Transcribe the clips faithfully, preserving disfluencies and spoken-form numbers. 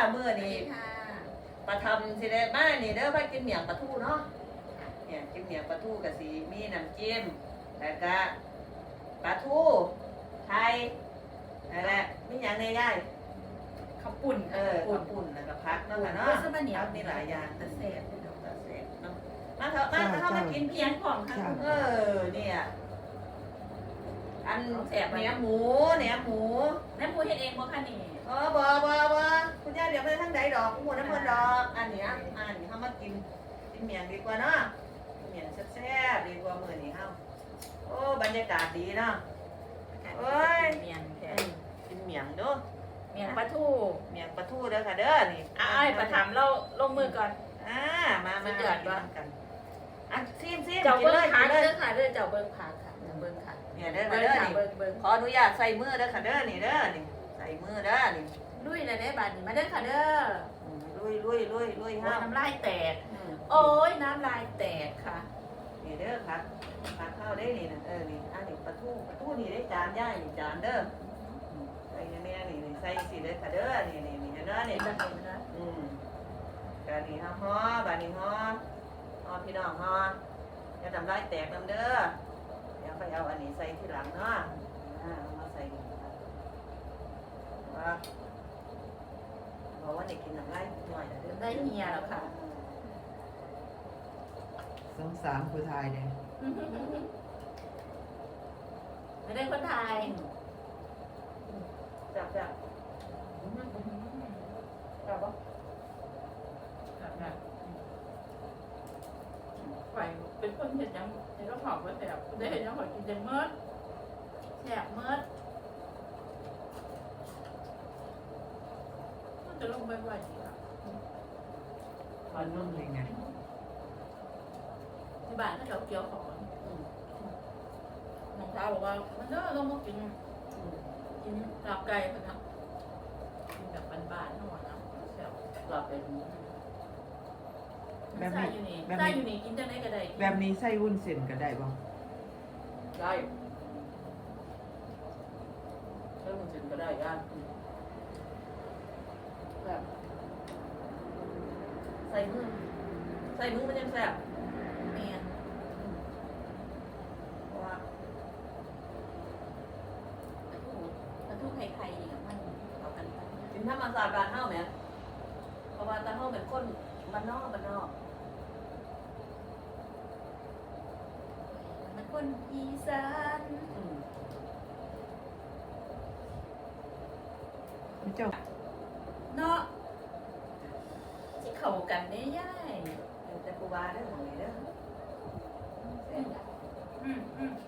มื้อนี้ปลาทำสิได้มานี่เด้อพากินเมี่ยงปลาทูเนาะเนี่ยกินเมี่ยงปลาทูกับสีมีน้ำจิ้มแล้วก็ปลาทูไทยนั่นแหละมีอย่างในย่ายข้าวปุ่นเออข้าวปุ่นแล้วก็พักเนาะค่ะเนาะสมันเหนียวมีหลายอย่างแต่แสบเลยเนาะเสร็จเนาะมาเถอะมาเถอะมากินเพีเพียยงงของค่ะเออเนี่ยอันแอบเนื้อหมูเนื้อหมูแม่พูดเฮ็ดเองบ่คะนี่เออบอบอบอคุณย่าเดี๋ยวไปทางใดดอกคุณหมูน้ำมันดอกอันเนี้ยอันนี้เขามากินกินเมียงดีกว่าเนาะเมียงแซ่บๆดีกว่ามื้อนี้เฮาโอ้บรรยากาศดีเนาะ โอ้ยเมียนแท้กินเมียงเด้อเมียนปลาทูเมียงปลาทูเด้อค่ะเด้อนี่อ้ายประถามเราลงมือก่อนอ่ามามาสุดยอดกิวะนกันอันซีมซีมเจ้ากินเบิ้เลงยผักิกนเลเด้ยอค่ะเด้อเจ้าเบิ้งผักค่ะเจ้าเบิ้งผักเนี่ยเด้อค่ะเบิ้งเด้อค่ะนี่เบิ้งเบิ้งขออนุญาตใส่มือเด้อค่ะเด้อนี่เด้อนี่ใส่มือเด้อนี่ลุยเลยได้บาดนี้มาเด้อค่ะเด้ออืมลุยลุยลุยลุยโอ้ห้ายน้ำลายแตกอืมโอ้ยน้ำลายแตกค่ะนี่เด้อค่ะผักข้าวได้นี่นะเออนี่อันนี้ปลาทูปลาทูนี่ได้จานย่ายนี่จานเด้ออืมใส่แน่ๆนี่นี่ใส่สิเด้อค่ะเด้อนี่นี่นี่เห็นเด้อนี่เป็นแบบนี้นะอืมกะนี่ฮะฮอบานี่ฮอฮอพี่น้องฮออย่าทำลายแตกน้ำเด้อเดี๋ยวไปเอาอันนี้ใส่ที่หลังเนาะอ่าเอามาใส่นี่ครับว่าบอกว่าเด็กกินน้ำลายหน่อยนะเด้อได้เมียแล้วค่ะสงสารผู้ชายเนี่ยไม่ได้คนไทยจับจับจับปะไหวเป็นคนเห็นยังเห็นก็หอมว่าแสบได้เห็นยังหอมกินยังเมิดแสบเมิดมันจะลงไปไหวดีค่ะมันนุ่มเลยไงที่บ้านถ้าเราเกี่ยวของน้องสาวบอกว่ามันเด้อลงมากินกินลาบไก่กันนะกินแบบบ้านๆทั้งหมดนะแซ่บหลับเป็นใส่อยู่นี่ใส่อยู่นี่กินจังได๋ก็ได้แบบนี้ใส่วุ้นเส้นก็ได้บ่ได้ถ้ามันถึงก็ได้ย่านแบบใส่มือใส่มือมันยังแซ่บแม่นเพราะว่าปลาทูปลาทูไข่ๆนี่มันเข้ากันไปกินธรรมศาสตร์บ้านเฮาแหมเพราะว่าตาเฮาเป็นคนบ้านนอกบ้านนอกมันคนอีสานอืมเจ้าเนาะที่เข้ากันได้ย่ายแต่กูบาได้อหมองนี้เด้อแซ่บนะอืมอืม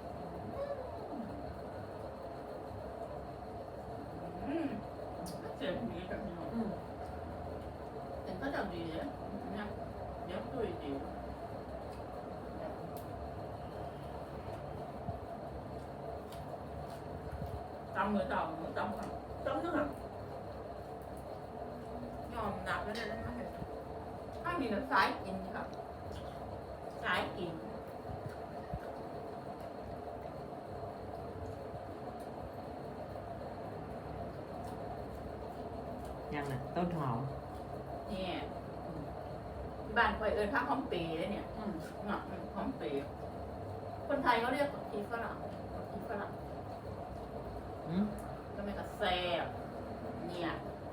อืมเสียงดีแบบนี้อืมแต่ก็ทำดีเลยเนี่ยเดี๋ยวคุยดีตำมือตำมือตำค่ะต้มนึงอ่ะยอมหนักแล้วเลยนะถ้ามีน้ำสายกินครับสายกินยังน่ะต้นหอมเนี่ยบ้านคอยเอิญพักหอมปีเลยเนี่ยอืมเนาะหอมปีคนไทยเขาเรียกผักชีฝรั่งผักชีฝรั่งอืมก็ไม่กระแซ่บเนี่ย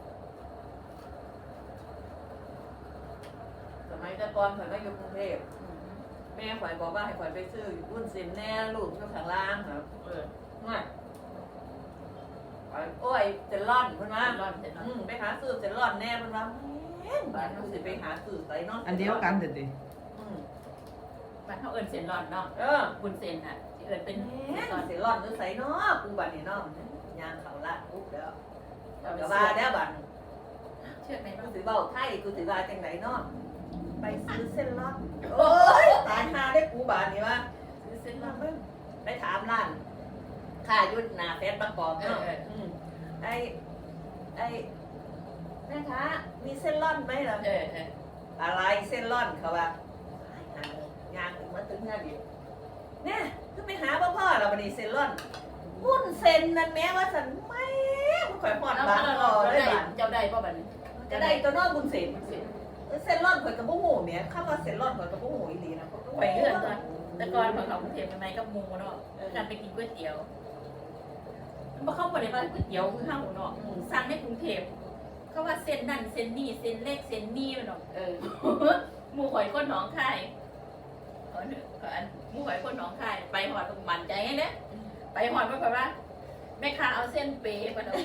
สมัยแต่ก่อนข่อยมาอยู่กรุงเทพแม่ข่อยบอกว่าให้ข่อยไปซื้อวุ้นเส้นแน่ลูกอยู่ข้างล่างครับเออง่ายข่อยโอ้ยเซนล่อนเพิ่นว่าร้อนเสร็จแล้วอืมไปหาซื้อเซนล่อนแน่เพิ่นว่าแม่นบ้านเฮาสิไปหาซื้อไสเนาะอันเดียวกันเด็ดดิอืมบ้านเขาเอิญเส้นร้อนเนาะเออบุญเส้นอ่ะที่เอิญเป็นแม่เส้นร้อนนเซนล่อนหรือไสเนาะกูบัดนี้เนาะย่างเข้าลาดปุ๊บเด้อเราเดี๋ยวว่าว่าแล้วบัดเชื่อไหมกูว่าสิเว้าไทยกูสิว่าจังไดเนาะไปซื้อเส้นล่อนโอ้ยตายหาได้กูบาดนี้ว่าซื้อเส้นเส้นร้ล่ออน นไปถามร้านค่ายุดหนาเฟซประกอบเนาะเออเอออืมไอ้ไอ้แม่ค้ามีเส้นล่อนไหมเหรอเออเอออะไรเส้นล่อนเขาว่ายางถึงมาถึงงานดิเนี่ยคือไปหาพ่อพ่อเราบันนี้เส้นล่อนหุ้นเส้นนั่นแม้ว่าสันไม่ข่อยหอดแล้วบ้านเราพอเราได้ได้บ้านเจ้าได้ป่ะบัดนี้จะได้ตัวนอกบุญเสนเสร็จเส้นร่อนข่อยกับบุ้งหูเนี่ยข้าว่าเส้นร่อนข่อยกับบุ้งหูอีหลีนะไปเรื่อยก่อนแต่ก่อนพอเขากรุงเทพใหม่ๆกับหมูเนาะการไปกินก๋วยเตี๋ยวมันบ่เข้าบ่ได้ว่าก๋วยเตี๋ยวคือข้าวเนาะสั่งในกรุงเทพเขาว่าเส้นนั่นเส้นนี่เส้นเล็กเส้นนี่มันเนาะเออหมูหอยก้นหนองคายขอหนึ่งขออันหมูหอยก้นหนองคายไปหอดมันใจไงเนี่ยไปหอดมาเพราะว่าแม่ค้าเอาเส้นเป๊ะมาเนาะ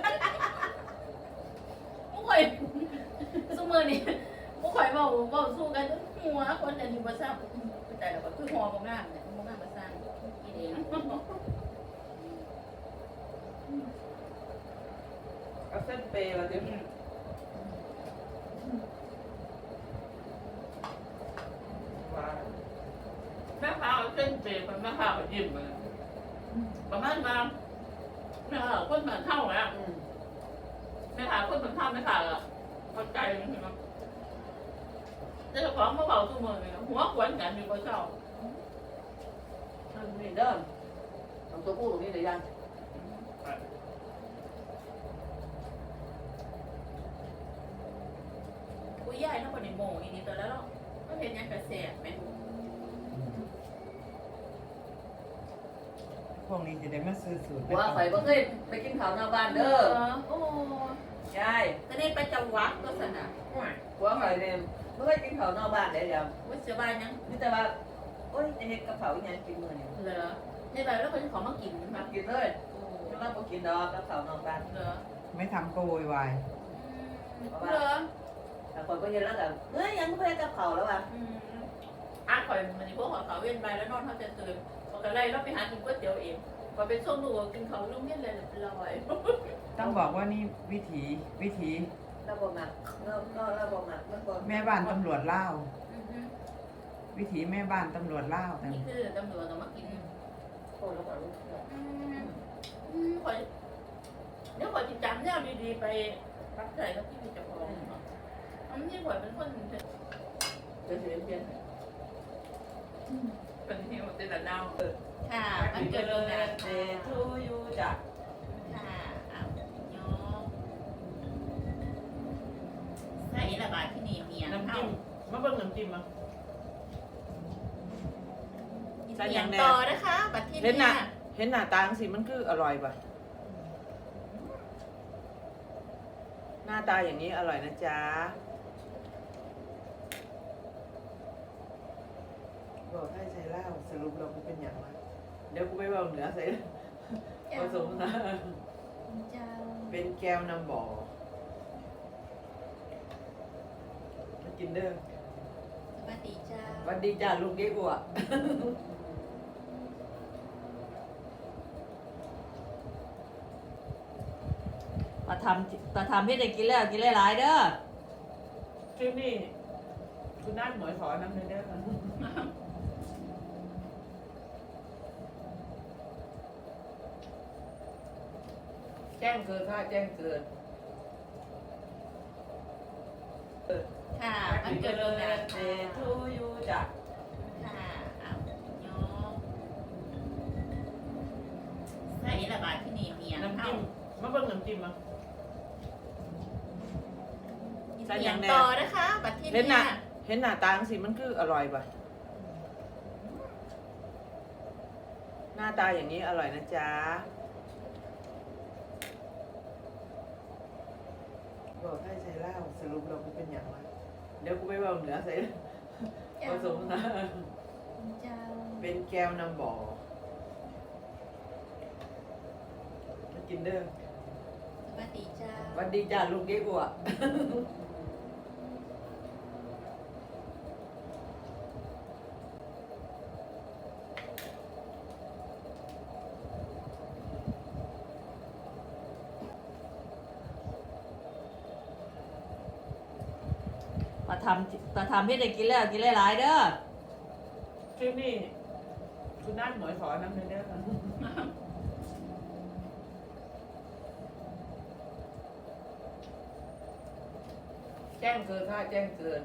หมูหอยสู้มือนี่หมูหอยเบาเบาสู้กันหัวคนอันนี้มาสร้างแต่เราก็คือหอมงามเนี่ยหอมงามมาสร้างกินเองเอาเส้นเปย์มาดิว้าแม่ค้าเอาเส้นเป๊ะมันแม่ค้าก็ยิ้มเลยประมาณว่าแม่ค้าคนเหมือนเท่าแล้วอืมแม่ค้าคนเหมือนเท่าแม่ค้าอะเข้าใจมันเนาะแต่เจ้าของมาเบาสู้มือเลยหัวขวนกันอยู่บนเสาอันนี้เด้อเอาตัวผู้ตรงนี้เลยยังคุยย่ายทั้งหมดในโมงอีนี้ตัวแล้วเนาะก็เห็นยังกระแสไหมพวกนี้จะได้มาซื้อสูตรว่าข่อยบ่เคยไปกินข้าวนอกบ้านเด้อโอ้ใช่ก็ได้ไปจังหวัดก็สนะว่าข่อยเนี่ยบ่เคยกินข้าวนอกบ้านเลยเดี๋ยวว่าเสียบายยังนี่แต่ว่าโอ้ยจะเฮ็ดกับเขาอีหยังกินมื้อนี้เหรอในแบบแล้วคนของมากินมามากินเลยเราบ่กินดอกกับข้าวนอกบ้านเหรอไม่ทำก็โวยวายเหรอแต่คนก็เห็นแล้วก็เอ้ยยังบ่ได้กับข้าวแล้วว่ะอ่ะคอยมันพวกของเขาเว้นไปแล้วนอนเขาจะตื่นพอกันไล่เราไปหากินก๋วยเตี๋ยวเองพอเป็นช่วงดูกินเขาลุ่มเย็นเลยลอยต้องบอกว่านี่วิถีวิถีเราบ่มักเราเราเราบ่มักมันบ่แม่บ้านตำรวจเล่าววิถีแม่บ้านตำรวจเล่าวแต่นี่คือตำรวจต้องมากินโอ้แล้วก็รู้คอยเดี๋ยวคอยจิตจำเนี่ยดีๆไปรักใจกับที่มีเจ้าของอันนี้คอยเป็นคนจะเสียเพียนเป็นที่หมดแต่ละดาวค่ะมันเกิดโรงงานเดทูยูจ้ะค่ะอ้าวยกใส่ระบาดที่นี่เมียน้ำเข้าจิ้มมาเบิ่งน้ำจิ้มมาเสียงต่อนะคะบัดที่เห็นหนี่น้าเห็นหน้าตาจังสิมันคืออร่อยป่ะหน้าตาอย่างนี้อร่อยนะจ๊ะบอกให้ใส่เหล้าสรุปเราเป็นอย่างไรเดี๋ยวกูไปบอกเหนือใส่ผสมนะเจ้าเป็นแก้วน้ำบ่อมากินเด้อสวัสดีเจ้าสวัสดีจ้าลูกเก๊กอัวมาทำมาทำให้ได้กินแล้วกินหลายๆเด้อชื่อนี่คุณนัทหมวยขอน้ำเนื้อเด้อ แจ้งเกินค่ะแจ้งเกินค่ะมันเกิดโรงงานเดค่ะทูยูจ้ะค่ะอ้าวยกใส่ระบาดที่นี่เมียน้ำเข้าจิ้มมาเบิ่งน้ำจิ้มมาเสียงต่อนะคะบัดที่เห็นหนี่น้าเห็นหน้าตาจังสิมันคืออร่อยป่ะหน้าตาอย่างนี้อร่อยนะจ๊ะบอกให้ใส่เหล้าสรุปเราเป็นอย่างไรเดี๋ยวกูไปบอกเหนือใส่ผสมนะเจ้าเป็นแก้วน้ำบ่อมากินเด้อสวัสดีเจ้าสวัสดีจ้าลูกเก๊กอัวมาทำมาทำให้ได้กินแล้วกินหลายๆเด้อชื่อนี่คุณนัทหมวยขอน้ำเนื้อเด้อ แจ้งเกินค่ะแจ้งเกิน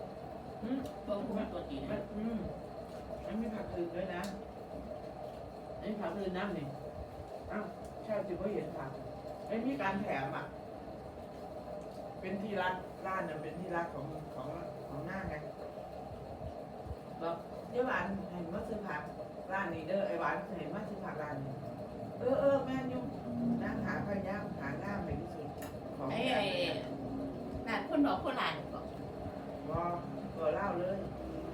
อืมเบิ่งคุณตัวจริงมันอืมมันมีผักอื่นด้วยนะอ้ผักอื่นน้ำนี่อ้าวใช่จิ๋วก็เห็นผักไอ้มีการแถมอ่ะเป็นที่รักร้านเนี่ยเป็นที่รักของของของหน้าไงบอกเดี๋ยวหวานเห็นว่าซื้อผักร้านนี้เด้อไอ้หวานเห็นว่าซื้อผักร้านนี้เออเออแม่ยุ่งนั่งหาพยายามหาง่ามไปที่สุดของไอ้แถไอ้มนั่นคนหนอคนหลานบอกก็ก็เล่าเลยอ